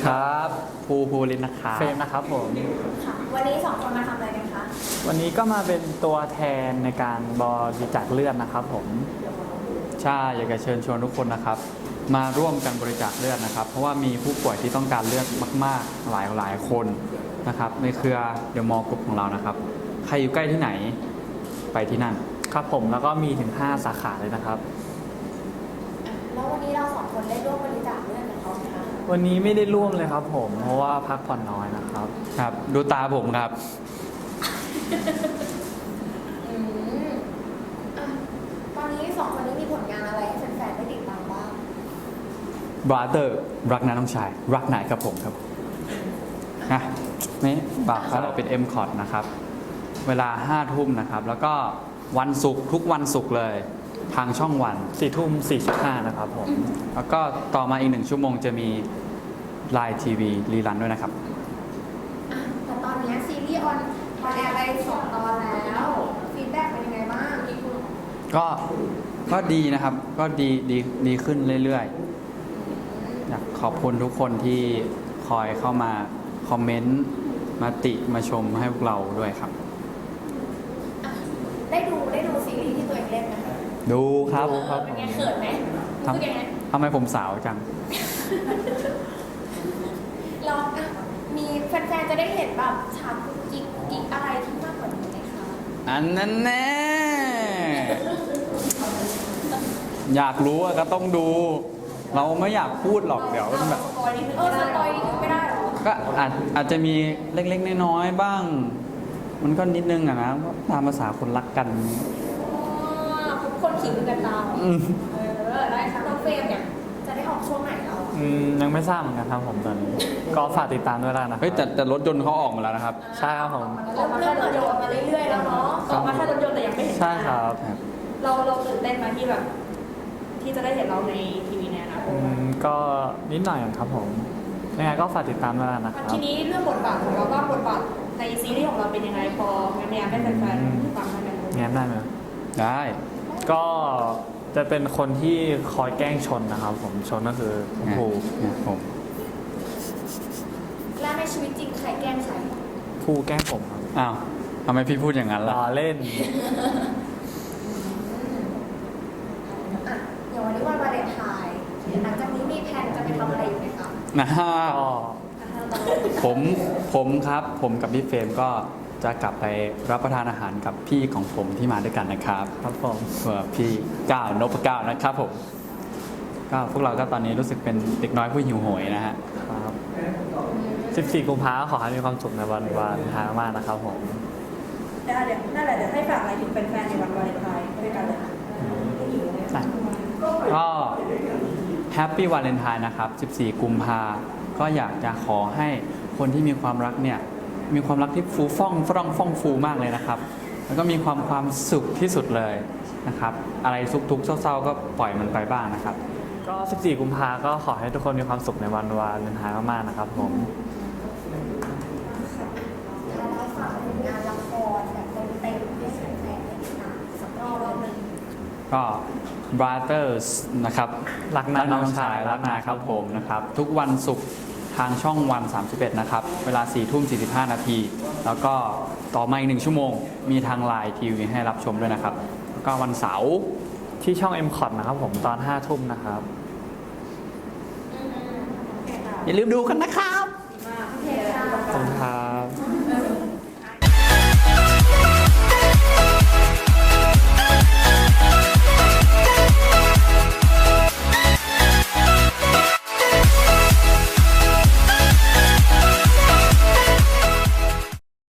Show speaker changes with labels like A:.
A: ดีครับภูรินทร์นะครับ
B: เฟรมนะครับผม
C: ค่ะวันนี้2 คนมาทำอะไรกันคะ
B: วันนี้ก็มาเป็นตัวแทนในการบริจาคเลือดนะครับผม
A: ใช่อยากจะเชิญชวนทุกคนนะครับมาร่วมกันบริจาคเลือดนะครับเพราะว่ามีผู้ป่วยที่ต้องการเลือดมากๆหลายคนนะครับในเครือเดอะมอลล์กรุ๊ปของเรานะครับใครอยู่ใกล้ที่ไหนไปที่นั่น
B: ครับผมแล้วก็มีถึง5สาขาเลยนะครับ
C: แล้ววันนี้เรา2 คนได้ร่วมบริจาคเลือดกับเขาไหมคะ
B: วันนี้ไม่ได้ร่วมเลยครับผมเพราะว่าพักผ่อนน้อยนะครับ
A: ครับดูตาผมครับ
C: ตอนนี้2 คนนี้มีผลงานอะไรให้แฟนๆได้ติดตามบ้าง
A: Brother รักน้าน้องชายรักนายครับผมครับนะนี่ฝากเราเป็น M Cot นะครับเวลา5 ทุ่มนะครับแล้วก็วันศุกร์ทุกวันศุกร์เลยทางช่องวัน
B: 4 ทุ่ม 45นะครับผม
A: แล้วก็ต่อมาอีก1 ชั่วโมงจะมีไลน์ทีวีรีรันด้วยนะครับ
C: แต่ตอนนี้ซีรีส์ออนแอร์ไป2 ตอนแล้วฟีดแบ็กเป็นยังไงบ้าง
A: ก็ดีนะครับก็ดีขึ้นเรื่อยๆอยากขอบคุณทุกคนที่คอยเข้ามาคอมเมนต์มาติมาชมให้พวกเราด้วยครับ
C: ได้ดูซีรีส์ที่ตัวเองเล่นไหมคะ
A: ดูครับ
C: เป็นไงเขินไหมรู้สึกยังไง
A: ทำไมผมสาวจัง
C: เรามีแฟนๆจะได้เห็นแบบฉากกิ๊กอะไรที่มากกว่านี้ไหมคะ
A: อันนั้นแน่อยากรู้ก็ต้องดูเราไม่อยากพูดหรอกเดี๋ยวแบบ
C: สปอยนิดนึงไม่ได้หรอ
A: ก็อาจจะมีเล็กๆน้อยๆบ้างมันก็นิดนึงอะนะตามภาษาคนรักกัน
C: คนขิงกันตามได้ค่ะน้องเฟรมเนี่ยจะได้ออกช่วงไหนเรา
B: ยังไม่ทราบเหมือนกันครับผมตอนนี้ก็ฝากติดตามด้วยแล้วนะ
A: เฮ้ยแต่รถยนต์เขาออกมาแล้วนะครับ
B: ใช่ครับผม
C: ออกมาแค่รถยนต์มาเรื่อยๆแล้วเนาะออกมาแค่รถยนต์แต่ยังไม่เห็น
B: ใช่ครับ
C: เราตื่นเต้นไหมที่แบบที่จะได้เห็นเราในทีวีเนี่ยนะ
B: ก็นิดหน่อยครับผมยังไงก็ฝากติดตามด้วยนะครับ
C: ทีนี้เรื่องบทบาทของเราว่าบทบาทในซีรีส์ของเราเป็นยังไงพอแง้มให้แฟนๆฟังได้ไหม
B: แง้มได้ไหม
A: ได้
B: ก็จะเป็นคนที่คอยแกล้งชนนะครับผมชนก็คือภู
A: ผม
C: แล้วในชีวิตจริงใครแกล้งใคร
B: ภูแกล้งผมครับ
A: อ้าวทำไมพี่พูดอย่างนั้นล่ะ
B: เล่น
C: อย่างวันนี้วันวาเลนไทน์หลังจากนี้มีแผนจะไปทำอะไรอยู่ไหมคะ
A: ผมครับผมกับพี่เฟรมก็จะกลับไปรับประทานอาหารกับพี่ของผมที่มาด้วยกันนะครับ
B: ครับผม
A: พี่ก้าวนพก้าวนะครับผมก็พวกเราก็ตอนนี้รู้สึกเป็นเด็กน้อยผู้หิวโหยนะฮะ
B: ครับ14 กุมภาพันธ์ขอให้มีความสุขในวันวาเลนไทน์มากนะครับผม
C: เดี๋ยวนั่นแหละเดี๋ยวให้ฝากอะไรถึงแฟนๆในวันวาเลนไทน์ด้วยกันเลย
A: ก็แฮปปี้วาเลนไทน์นะครับ14 กุมภาก็อยากจะขอให้คนที่มีความรักเนี่ยมีความรักที่ฟูฟ่องฟูมากเลยนะครับแล้วก็มีความสุขที่สุดเลยนะครับอะไรทุกข์เศร้าๆก็ปล่อยมันไปบ้างนะครับ
B: ก็14 กุมภาก็ขอให้ทุกคนมีความสุขในวันวาเลนไทน์มากๆนะครับผม
C: เราฝากงานละครแบบเต็มๆให้แฟนๆได้ติดตามสักรอบนึง
A: ก็ Brothers นะครับ
B: รักน้าน้องชาย
A: รักนายครับผมนะครับทุกวันศุกร์ทางช่องวัน31นะครับเวลา4 ทุ่ม 45 นาทีแล้วก็ต่อมาอีก1 ชั่วโมงมีทางไลน์ทีวีให้รับชมด้วยนะครับแล้วก็วันเสาร์
B: ที่ช่อง M Cot นะครับผมตอน5 ทุ่มนะครับ
A: อย่าลืมดูกันนะครับ
C: ขอบคุณ
B: ครับ